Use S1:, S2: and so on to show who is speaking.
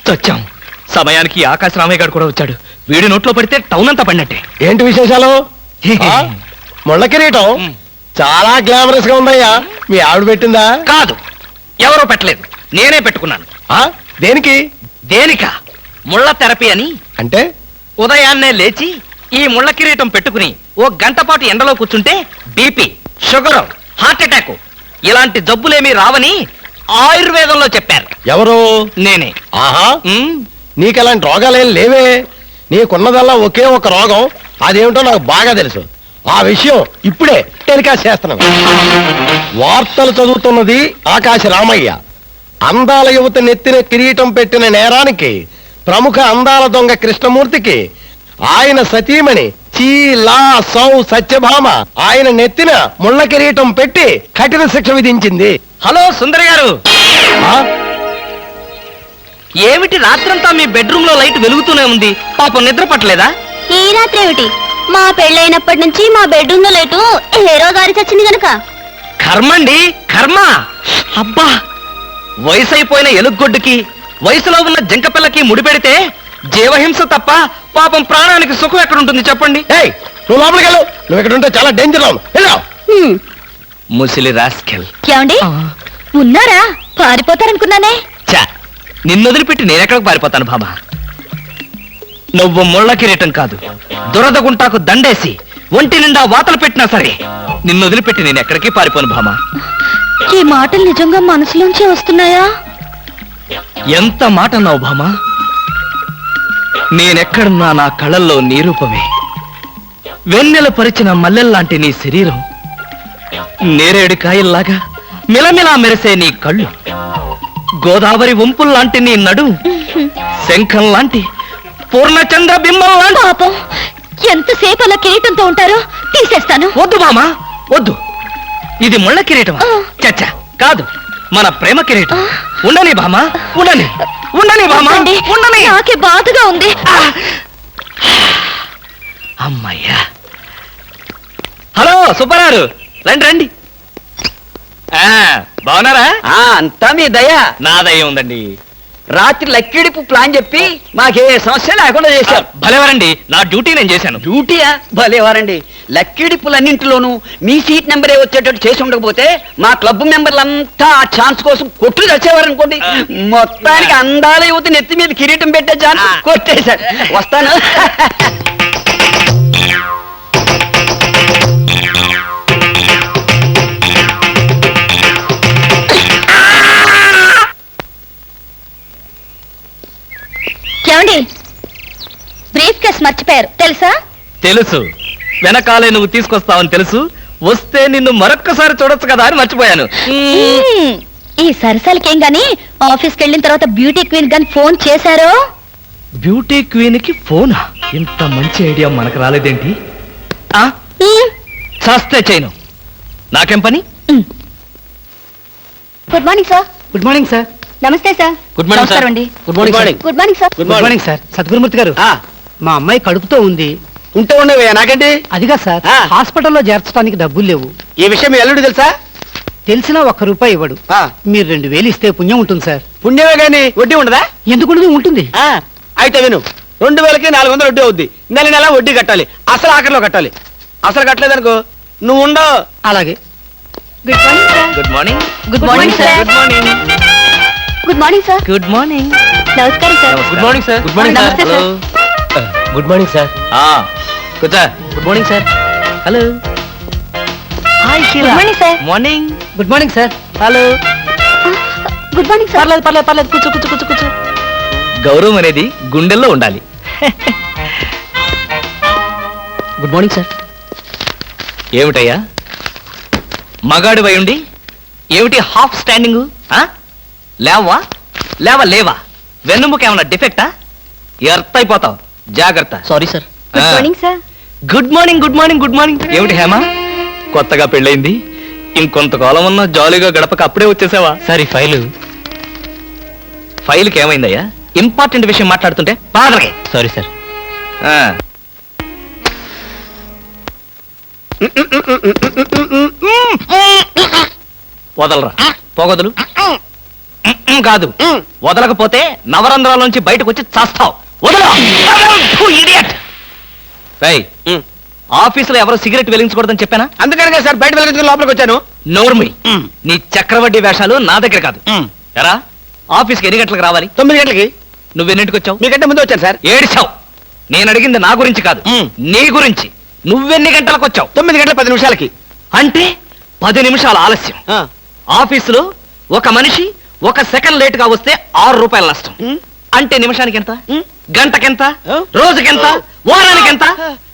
S1: చచ్చాం. సమయానికి ఆకాశ రామయ్య గారు కూడా వచ్చాడు. వీడి నోట్లో పడితే టౌన్ అంతా పడినట్టే.
S2: ఏంటి విశేషాలు? ముళ్ళ కిరీటం చాలా గ్లామరస్ గా ఉందయ్యా. మీ ఆవిడ పెట్టిందా?
S1: కాదు, ఎవరో పెట్టలేదు, నేనే పెట్టుకున్నాను.
S2: దేనికి?
S1: దేనిక? ముళ్ళ థెరపీ అని.
S2: అంటే
S1: ఉదయాన్నే లేచి ఈ ముళ్ళ కిరీటం పెట్టుకుని ఓ గంట పాటు ఎండలో కూర్చుంటే బీపీ, షుగర్, హార్ట్ అటాక్ ఇలాంటి జబ్బులేమీ రావని ఆయుర్వేదంలో చెప్పారు.
S2: ఎవరు?
S1: నేనే.
S2: ఆహా, నీకలాంటి రోగాలేం లేవే. నీకున్నదల్లా ఒకే ఒక రోగం. అదేమిటో నాకు బాగా తెలుసు. ఆ విషయం ఇప్పుడే టెలికాస్ట్ చేస్తున్నాను. వార్తలు చదువుతున్నది ఆకాశ రామయ్య. అందాల యువత నెత్తిన కిరీటం పెట్టిన నేరానికి ప్రముఖ అందాల దొంగ కృష్ణమూర్తికి ఆయన సతీమణి చీలా సౌ సత్యభామ ఆయన నెత్తిన ముళ్ళ కిరీటం పెట్టి కఠిన శిక్ష విధించింది.
S1: హలో సుందర్ గారు, ఏమిటి రాత్రంతా మీ బెడ్రూమ్ లో లైట్ వెలుగుతూనే ఉంది? పాపం నిద్ర పట్టలేదా?
S3: ఈ రాత్రి ఏమిటి? మా పెళ్ళైనప్పటి నుంచి మా బెడ్రూమ్ లో లైటు హీరో గారి చచ్చింది గనక.
S1: కర్మండి, కర్మ. అబ్బా, వయసు అయిపోయిన ఎలుగొడ్డుకి వయసులో ఉన్న జంకపిల్లకి ముడిపెడితే జీవహింస తప్ప పాపం ప్రాణానికి సుఖం ఎక్కడుంటుంది చెప్పండి?
S2: నువ్వు లోపలికి వెళ్ళు. నువ్వు ఇక్కడ ఉంటే చాలా డేంజర్.
S1: ముసిలి రాస్కెల్.
S3: ఏమండి ఉన్నారా? పారిపోతారనుకున్నానే.
S1: చా, నిన్ను వదిలిపెట్టి నేనెక్కడికి పారిపోతాను బాబా? నువ్వు ముళ్ళ కిరీటం కాదు, దురద గుంటాకు దండేసి ఒంటి నిండా వాతలు పెట్టినా సరే నిన్ను వదిలిపెట్టి నేను ఎక్కడికి పారిపోను భామా.
S3: ఈ మాటలు నిజంగా మనసులోంచి వస్తున్నాయా?
S1: ఎంత మాట అన్నావు భామా. నేనెక్కడున్నా నా కళ్ళల్లో నీ రూపమే. వెన్నెల పరిచిన మల్లెల్లాంటి నీ శరీరం, నేరేడు కాయల్లాగా మిలమిలా మెరిసే నీ కళ్ళు, గోదావరి వంపుల్లాంటి నీ నడు, శంఖం లాంటి పూర్ణచంద్ర బింబం లాంటి.
S3: పాపం, ఎంతసేపు అలా కిరీటంతో ఉంటారో తీసేస్తాను.
S1: వద్దు మామా, వద్దు. ఇది ముళ్ళ కిరీటం చచ్చా కాదు, మన ప్రేమ కిరీటం. ఉండని బామా, ఉండని, ఉండని బామా, ఉండని.
S3: నాకే బాధగా ఉంది.
S1: అమ్మయ్యా. హలో సుబ్బారావు, రండి రండి. బాగున్నారా?
S4: అంతా మీ దయ.
S1: నా దయ ఉందండి.
S4: రాత్రి లక్కిడిపు ప్లాన్ చెప్పి మాకే సమస్య లేకుండా చేశారు.
S1: భలేవారండి, నా డ్యూటీ నేను చేశాను.
S4: డ్యూటీయా? భలేవారండి. లక్కిడిపులన్నింటిలోనూ మీ సీట్ నెంబరే వచ్చేటట్టు చేసి ఉండకపోతే మా క్లబ్ మెంబర్లంతా ఆ ఛాన్స్ కోసం కొట్లు చచ్చేవారనుకోండి. మొత్తానికి అందాల యువత నెత్తి మీద కిరీటం పెట్టే ఛాన్స్ కొట్టేశాడు. వస్తాను.
S3: ఏమండి, బ్రీఫ్ కేస్ మర్చిపోయారు తెలుసా?
S1: తెలుసు, వెనకాలే నువ్వు తీసుకొస్తావని తెలుసు. వస్తే నిన్ను మరొక్కసారి చూడొచ్చు కదా అని మర్చిపోయాను.
S3: ఈ సరసాలకేం గాని ఆఫీస్కి వెళ్ళిన తర్వాత బ్యూటీ క్వీన్ గాని ఫోన్ చేశారో?
S1: బ్యూటీ క్వీన్ కి ఫోనా? ఇంత మంచి ఐడియా మనకు రాలేదేంటి? చేస్తే చేయను, నాకేం పని?
S3: Good morning sir.
S4: Good morning sir.
S3: నమస్తే sir.
S1: Good morning sir.
S4: Good morning.
S3: Good morning sir.
S4: Good morning sir.
S5: Sadgurumurthy garu, మా అమ్మాయి కడుపుతో ఉంది.
S4: ఉంటే ఉండవే, నాకండి.
S5: అదిగా సార్, హాస్పిటల్లో చేర్చడానికి డబ్బులు లేవు.
S4: ఈ విషయం మీ అల్లుడు తెలుసా?
S5: తెలిసినా ₹1 ఇవ్వడు. మీరు 2000 ఇస్తే పుణ్యం ఉంటుంది సార్.
S4: పుణ్యమే గాని వడ్డీ ఉండదా?
S5: ఎందుకు ఉంటుంది?
S4: అయితే విను, 2000కి 400 వడ్డీ అవుద్ది. నెల నెల వడ్డీ కట్టాలి. అసలు ఆఖరిలో కట్టాలి. అసలు కట్టలేదనుకో నువ్వు ఉండవు.
S5: అలాగే.
S3: Good morning sir.
S1: Good morning.
S3: Good morning sir.
S1: Good morning.
S3: Good morning sir.
S1: Good morning.
S3: నమస్కారం sir.
S1: Good morning sir.
S2: Good morning
S3: నమస్తే
S2: సార్. Good morning sir.
S1: కూర్చో.
S5: Good morning sir.
S1: Hello. Hi
S3: good morning sir.
S1: Morning.
S5: Good morning sir.
S1: Hello.
S3: Good morning sir.
S5: పర్లేదు. కూర్చో.
S1: గౌరవం అనేది గుండెల్లో ఉండాలి.
S5: Good morning sir.
S1: ఏమిటయ్యా మగాడు ఉండి ఏమిటి హాఫ్ స్టాండింగ్? లేవా? వెన్నుముక ఏమన్నా డిఫెక్టా? ఎర్త్ అయిపోతావు, జాగ్రత్త.
S5: Sorry sir.
S3: Good morning sir.
S1: Good morning. ఏమిటి హేమ, కొత్తగా పెళ్ళైంది, ఇంకొంతకాలం ఉన్న జాలీగా గడపక అప్పుడే వచ్చేసావా? సరే, ఫైల్కి ఏమైందయ్యా? ఇంపార్టెంట్ విషయం మాట్లాడుతుంటే బాధలకి. Sorry sir. వదలరా, పొగదులు. కాదు వదలకపోతే నవరంధ్రాల నుంచి బయటకు వచ్చి చస్తావు. వదల ఇడియట్. ఆఫీసులో ఎవరో సిగరెట్ వెలిగించకూడదని చెప్పానా?
S4: అందుకనే సార్ బయట వెళ్ళి లోపలికి వచ్చాను.
S1: నోర్మి, నీ చక్రవడ్డీ వేషాలు నా దగ్గర కాదు. ఎరా, ఆఫీస్కి ఎన్ని గంటలకు రావాలి?
S4: 9 గంటలకి.
S1: నువ్వెన్నింటికి వచ్చావు?
S4: మీకంటే ముందు వచ్చాను సార్.
S1: ఏడిచావు. నేను అడిగింది నా గురించి కాదు, నీ గురించి. నువ్వెన్ని గంటలకు వచ్చావు?
S4: 9 గంటల 10 నిమిషాలకి.
S1: అంటే 10 నిమిషాల ఆలస్యం. ఆఫీసులో ఒక మనిషి 1 సెకండ్ లేట్ గా వస్తే 6 రూపాయల నష్టం. అంటే నిమిషానికి ఎంత? గంటకెంత? రోజుకెంత? వారానికి ఎంత?